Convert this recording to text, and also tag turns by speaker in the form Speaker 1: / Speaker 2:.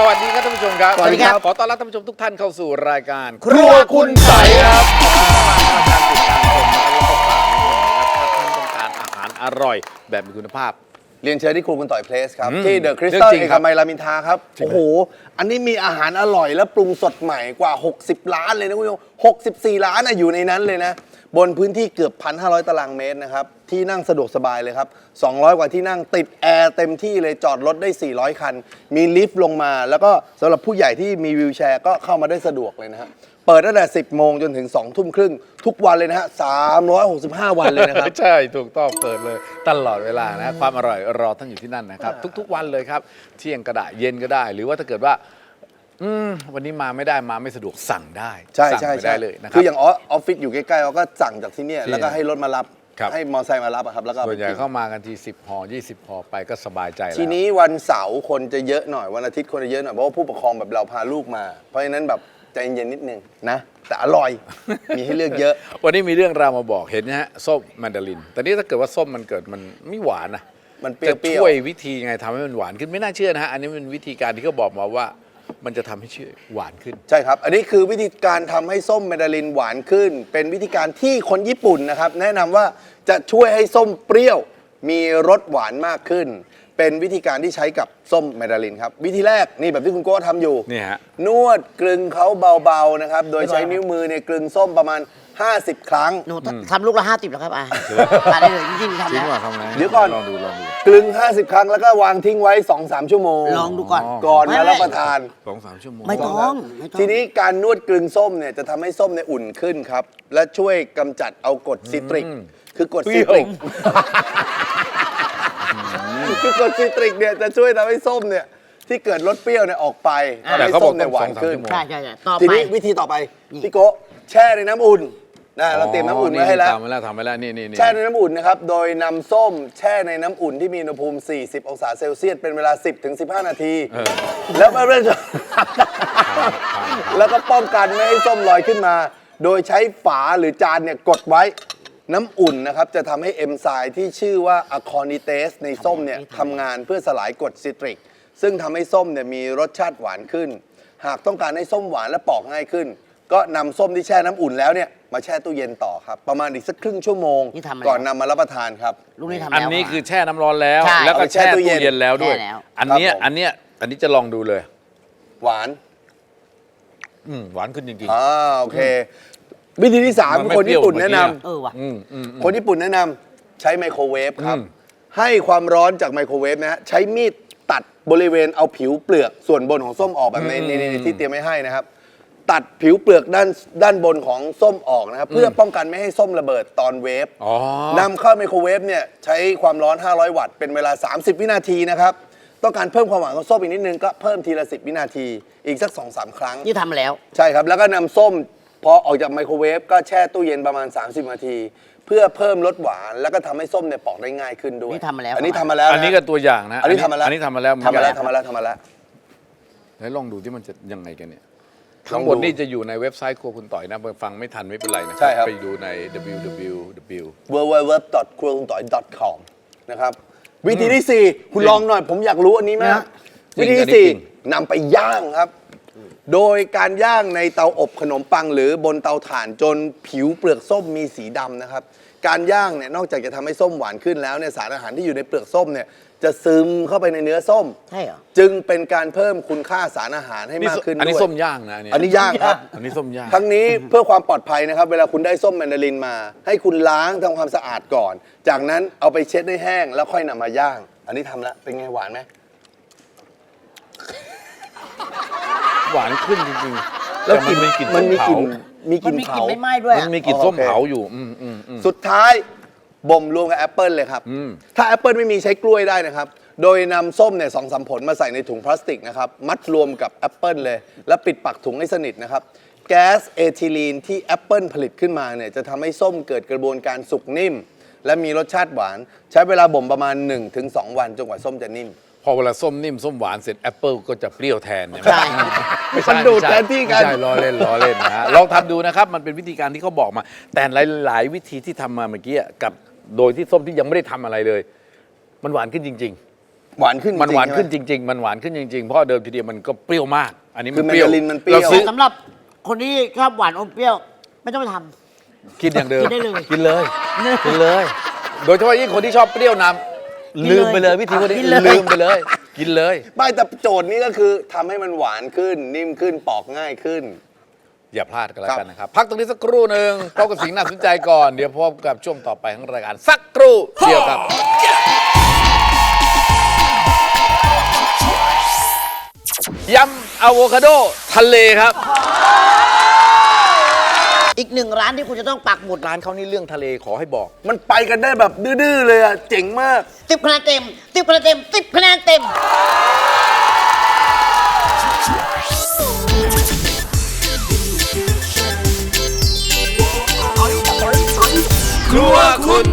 Speaker 1: วัสดีครับท่านผู้ชมครับ
Speaker 2: สวัสดีครับ
Speaker 1: ขอต้อนรับท่านผู้ชมทุกท่านเข้าสู่รายการ
Speaker 2: ครัวคุณไต่ครับ
Speaker 1: การติดตามชมนะครับแล้วก็ฝากนิดนึงนะครับถ้าท่านต้องการอาหารอร่อยแบบมีคุณภาพ
Speaker 2: เรียนเชิญที่ครูคุณต่อยเพลสครับ
Speaker 1: อืม
Speaker 2: ที่เดอะคริส
Speaker 1: เรื่
Speaker 2: ตั
Speaker 1: อ
Speaker 2: ล
Speaker 1: งจริง
Speaker 2: เอ
Speaker 1: ครั
Speaker 2: ก
Speaker 1: บ
Speaker 2: มัยรามอินทราครับ โอ้โห อันนี้มีอาหารอร่อยและปรุงสดใหม่กว่า 60 ล้านเลยนะคุณผู้ชม64 ล้านอยู่ในนั้นเลยนะ บนพื้นที่เกือบ 1,500 ตารางเมตรนะครับ ที่นั่งสะดวกสบายเลยครับ 200 กว่าที่นั่งติดแอร์เต็มที่เลยจอดรถได้ 400 คัน มีลิฟต์ลงมา แล้วก็สำหรับผู้ใหญ่ที่มีวีลแชร์ก็เข้ามาได้สะดวกเลยนะฮะเปิดตั้งแต่ 10 โมงจนถึง 2 ทุ่มครึ่งทุกวันเลยนะฮะ365 วันเลยนะครับ
Speaker 1: ใช่ถูกต้องเปิดเลยตลอดเวลานะความอร่อยรอท่านอยู่ที่นั่นนะครับ ทุกๆวันเลยครับเที่ยงก็ได้เย็นก็ได้ หรือว่าถ้าเกิดว่าวันนี้มาไม่ได้มาไม่สะดวกสั่งได้
Speaker 2: ใช่
Speaker 1: สั่ง
Speaker 2: ใช่
Speaker 1: ไป
Speaker 2: ใช่
Speaker 1: ได้เลยนะครั
Speaker 2: คื
Speaker 1: บ
Speaker 2: ออย่างออฟฟิศอยู่ใกล้ๆเราก็สั่งจากที่เนี่ย
Speaker 1: ที่
Speaker 2: แล้วก็ให้รถมารับ
Speaker 1: ครับ
Speaker 2: ให้มอเตอร์ไซค์มารับอะครับแล้วก็
Speaker 1: ส่วนใหญ่
Speaker 2: ไปกิน
Speaker 1: เข้ามากันที10ห่อ20ห่อไปก็สบายใจแล้ว
Speaker 2: ทีนี้วันเสาร์คนจะเยอะหน่อยวันอาทิตย์คนจะเยอะหน่อยเพราะว่าผู้ปกครองแบบเราพาลูกมา เพราะฉะนั้นแบบใจเย็นๆนิดนึงนะแต่อร่อย มีให้เลือกเยอะ
Speaker 1: วันนี้มีเรื่องราวมาบอกเห็นนะฮะส้มแมนดารินแต่นี่ถ้าเกิดว่าส้มมันเกิดมันไม่หวานนะ
Speaker 2: มันเปรี้
Speaker 1: จะ
Speaker 2: ยว
Speaker 1: ช่วยวิธีไงทำให้มันหวานขึ้นไม่น่าเชื่อนะฮะอันนี้เป็นวิธีการที่เขาบอกมาว่ามันจะทำให้ชื่อหวานขึ้น
Speaker 2: ๆใช่ครับ อันนี้คือวิธีการทำให้ส้มแมนดารินหวานขึ้น เป็นวิธีการที่คนญี่ปุ่นนะครับแนะนำว่าจะช่วยให้ส้มเปรี้ยว มีรสหวานมากขึ้น เป็นวิธีการที่ใช้กับส้มแมนดารินครับวิธีแรกนี่แบบที่คุณโก้ทำอยู่
Speaker 1: นี่ฮะ
Speaker 2: นวดกลึงเขาเบาๆนะครับ โดยใช้นิ้วมือเนี่ยกลึงส้มประมาณ 50 ครั้ง
Speaker 3: หนูทำลูกละ50แล้วครับทานได้เลยจริงๆทำ
Speaker 1: จริง
Speaker 3: แล้ว
Speaker 1: ว่าทำไง
Speaker 2: เดี๋ยวก่อน
Speaker 1: ลองดู
Speaker 2: กลึง 50 ครั้งแล้วก็วางทิ้งไว้ 2-3 ชั่วโมง
Speaker 3: ลองดูก่อน
Speaker 2: ก่อนมารับประทาน
Speaker 1: 2-3 ชั่วโมง
Speaker 3: ไม่ต้องไม่ต้อง
Speaker 2: ทีนี้การนวดกลึงส้มเนี่ยจะทำให้ส้มเนี่ยอุ่นขึ้นครับ และช่วยกำจัดเอากรดซิตริก คือกรดซิตริก คือกรดซิตริกเนี่ยจะช่วยทำให้ส้มเนี่ยที่เกิดรสเปรี้ยวเนี่ยออกไปทำ
Speaker 1: แต่
Speaker 2: ให้
Speaker 1: เขาบ
Speaker 2: ส้
Speaker 1: อก
Speaker 2: มเนี่ยหวานขึ้น
Speaker 1: ต้อง2-3
Speaker 3: ใช่ใช่ต่อ
Speaker 2: ที
Speaker 3: ไป
Speaker 2: นี้วิธีต่อไป
Speaker 3: นี่
Speaker 2: พี่โกะแช่ในน้ำอุ่นนะเราเตรียมน้ำอุ่นไว้ให้แล้ว
Speaker 1: ทำไว้แล้วนี่
Speaker 2: แช่ในน้ำอุ่นนะครับ โดยนำส้มแช่ในน้ำอุ่นที่มีอุณหภูมิ 40 องศาเซลเซียส เป็นเวลา 10-15 นาที แล้วเรื่อยๆแล้วก็ป้องกันไม่ให้ส้มลอยขึ้นมา โดยใช้ฝาหรือจานเนี่ยกดไว้ น้ำอุ่นนะครับจะทำให้เอนไซม์ที่ชื่อว่าอะคอนิเตสในส้มเนี่ยทำงานเพื่อสลายกรดซิตริก ซึ่งทำให้ส้มเนี่ยมีรสชาติหวานขึ้น หากต้องการให้ส้มหวานและปอกง่ายขึ้น ก็นำส้มที่แช่น้ำอุ่นแล้วเนี่ยมาแช่ตู้เย็นต่อครับ ประมาณอีกสักครึ่งชั่วโมง
Speaker 3: นี่ทำอะไร
Speaker 2: ก่อนนำมารับประทานครับ
Speaker 3: ลูกนี้ทำ
Speaker 1: อัน
Speaker 3: แล้ว
Speaker 1: นี้คือแช่น้ำร้อนแล้ว
Speaker 3: ใช่
Speaker 1: แล้วก็แช่
Speaker 2: เอาไปแช่ตู้
Speaker 1: ตู้
Speaker 2: เย็น
Speaker 1: เย็นแล้วด้วย
Speaker 3: แช่แล้ว
Speaker 1: อันเนี้ย
Speaker 2: ครับผม
Speaker 1: อันนี้จะลองดูเลย
Speaker 2: หวาน
Speaker 1: หวานขึ้นจริง
Speaker 2: โอเค วิธีที่
Speaker 1: มันไม่
Speaker 2: 3 คนญี่ปุ่น
Speaker 1: เปรี้
Speaker 2: แนะ
Speaker 1: ย
Speaker 2: น
Speaker 1: วเหมือนเมื่อกี้
Speaker 3: เออว่ะ
Speaker 2: ำคนญี่ปุ่นแนะนำใช้ไมโครเวฟครับ
Speaker 1: อืม
Speaker 2: ให้ความร้อนจากไมโครเวฟนะฮะใช้มีดตัดบริเวณเอาผิวเปลือกส่วนบนของส้มออกแบบในที่เตรียมไว้ให้นะครับ ตัดผิวเปลือกด้านบนของส้มออกนะครับ เพื่อป้องกันไม่ให้ส้มระเบิดตอนเวฟ
Speaker 1: อ๋อน
Speaker 2: ำเข้าไมโครเวฟเนี่ยใช้ความร้อน 500 วัตต์เป็นเวลา 30 วินาทีนะครับ ต้องการเพิ่มความหวานของส้มอีกนิดนึงก็เพิ่มทีละ 10 วินาที อีกสัก 2-3 ครั้ง
Speaker 3: นี่ทำมาแล้ว
Speaker 2: ใช่ครับ แล้วก็นำส้มพอออกจากไมโครเวฟก็แช่ตู้เย็นประมาณ 30 นาที เพื่อเพิ่มรสหวานแล้วก็ทำให้ส้มเนี่ยปอกได้ง่ายขึ้นด้วย
Speaker 3: นี่ทำมาแล้ว
Speaker 2: อันนี้ทำมาแล้ว
Speaker 1: อันนี้ก็ตัวอย่างนะ
Speaker 2: อันนี้ทำมาแล้ว
Speaker 1: อันนี้ทำมาแล้วเหมือน
Speaker 2: ทำ
Speaker 1: กั
Speaker 2: มาน แล้วทำมาแล้วทำมาแล้ว
Speaker 1: แล้วลองดูที่มันจะยังไงกันเนี่ย
Speaker 2: ล
Speaker 1: ทั้
Speaker 2: อง ง
Speaker 1: ห
Speaker 2: ดู
Speaker 1: มดนี่จะอยู่ในเว็บไซต์ครัวคุณต่อยนะฟังไม่ทันไม่เป็นไรนะ
Speaker 2: ใช่ครับ
Speaker 1: ไปดูใน www
Speaker 2: www.cruelkuntoy.com นะครับวิธีที่ 4 คุณลองหน่อย ผมอยากรู้อันนี้มาก
Speaker 1: จริง
Speaker 2: วิธี
Speaker 1: อันนี้
Speaker 2: ที่
Speaker 1: จริง
Speaker 2: 4นำไปย่างครับ โดยการย่างในเตาอบขนมปังหรือบนเตาถ่านจนผิวเปลือกส้มมีสีดำนะครับ การย่างเนี่ยนอกจากจะทำให้ส้มหวานขึ้นแล้วเนี่ยสารอาหารที่อยู่ในเปลือกส้มเนี่ยจะซึมเข้าไปในเนื้อส้ม
Speaker 3: ใช่เหรอ
Speaker 2: จึงเป็นการเพิ่มคุณค่าสารอาหารให้
Speaker 1: นี่
Speaker 2: มากขึ้น
Speaker 1: อันนี้
Speaker 2: ด้วย
Speaker 1: ส้มย่างนะเนี่ย
Speaker 2: อันนี้ย่างครับ
Speaker 1: อันนี้ส้มย่าง
Speaker 2: ทั้งนี้เพื่อความปลอดภัยนะครับ เวลาคุณได้ส้มแมนดารินมา ให้คุณล้างทำความสะอาดก่อน จากนั้นเอาไปเช็ดให้แห้งแล้วค่อยนำมาย่าง อันนี้ทำแล้วเป็นไงหวานไหม
Speaker 1: หวานขึ้นจริงๆ
Speaker 2: แล้ว
Speaker 1: ต่มันมีกลิ่น
Speaker 2: มันมีกลิ่น
Speaker 1: ส้
Speaker 2: มีก
Speaker 3: มั
Speaker 2: ลิ่
Speaker 3: น
Speaker 2: น
Speaker 3: มีกลิ่
Speaker 2: เผาน
Speaker 3: ไม่ไหม้ด้วย
Speaker 1: เผา
Speaker 3: อะ
Speaker 1: มันมีกลิ่น
Speaker 2: อ๋อ
Speaker 1: ส้ม
Speaker 2: โอเค
Speaker 1: เผาอยู่
Speaker 2: สุดท้ายบ่มรวมกับแอปเปิลเลยครับ ถ้าแอปเปิลไม่มีใช้กล้วยได้นะครับ โดยนำส้มเนี่ย2-3 ผลมาใส่ในถุงพลาสติกนะครับ มัดรวมกับแอปเปิลเลย แล้วปิดปากถุงให้สนิทนะครับ แก๊สเอทิลีนที่แอปเปิลผลิตขึ้นมาเนี่ยจะทำให้ส้มเกิดกระบวนการสุกนิ่ม และมีรสชาติหวาน ใช้เวลาบ่มประมาณ 1-2 วันจนกว่าส้มจะนิ่ม
Speaker 1: พอเวลาส้มนิ่มส้มหวานเสร็จแอปเปิลก็จะเปรี้ยวแทนเนี่ย
Speaker 3: ใช่
Speaker 1: ไม่ใช่
Speaker 2: มันดูดแทนที่กัน
Speaker 1: ไม่ใช่ล้อเล่นนะฮะลองทำดูนะครับ มันเป็นวิธีการที่เขาบอกมา แต่หลายวิธีที่ทำมาเมื่อกี้กับโดยที่ส้มที่ยังไม่ได้ทำอะไรเลย มันหวานขึ้นจริง ๆ
Speaker 2: หวานขึ้น
Speaker 1: มันหวานขึ้น
Speaker 2: จริง
Speaker 1: จริง ๆ มันหวานขึ้นจริงๆ เพราะเดิมทีเดียวมันก็เปรี้ยวมาก อันนี้
Speaker 2: คื
Speaker 1: มัน
Speaker 2: อ
Speaker 1: เปรี้ยว
Speaker 2: แมนดารินมันเปรี้ยว
Speaker 1: เราซื้อ
Speaker 3: สำหรับคนที่ชอบหวานอมเปรี้ยว ไม่ต้องไปท
Speaker 1: กินอย่างเดิม
Speaker 3: กินได้เลย
Speaker 1: กินเลยกินเลย โดยเฉพาะยิ่งคนที่ชอบเปรี้ยวนำลืมไปเลยวิธีพวกนี้
Speaker 3: กินเลย
Speaker 1: ลืมไปเลย กินเลย
Speaker 2: ไม่แต่โจทย์นี้ก็คือทำให้มันหวานขึ้น นิ่มขึ้นปอกง่ายขึ้น
Speaker 1: อย่าพลาดกันแล้วกันนะครับ พักตรงนี้สักครู่หนึ่งพบกับสิ่งน่าสนใจก่อน เดี๋ยวพบกับช่วงต่อไปของรายการสักครู่เดียวครับ ยำอะโวคาโดทะเลครับ
Speaker 3: ำอีกหนึ่งร้านที่คุณจะต้องปักหมุด
Speaker 1: ร้านเขานี่เรื่องทะเลขอให้บอก
Speaker 2: มันไปกันได้แบบดื้อๆเลยอ่ะ เจ๋งมาก
Speaker 3: 10 คะแนนเต็ม 10 คะแนนเต็ม 10 คะแนนเต็ม
Speaker 1: ครัวคุณ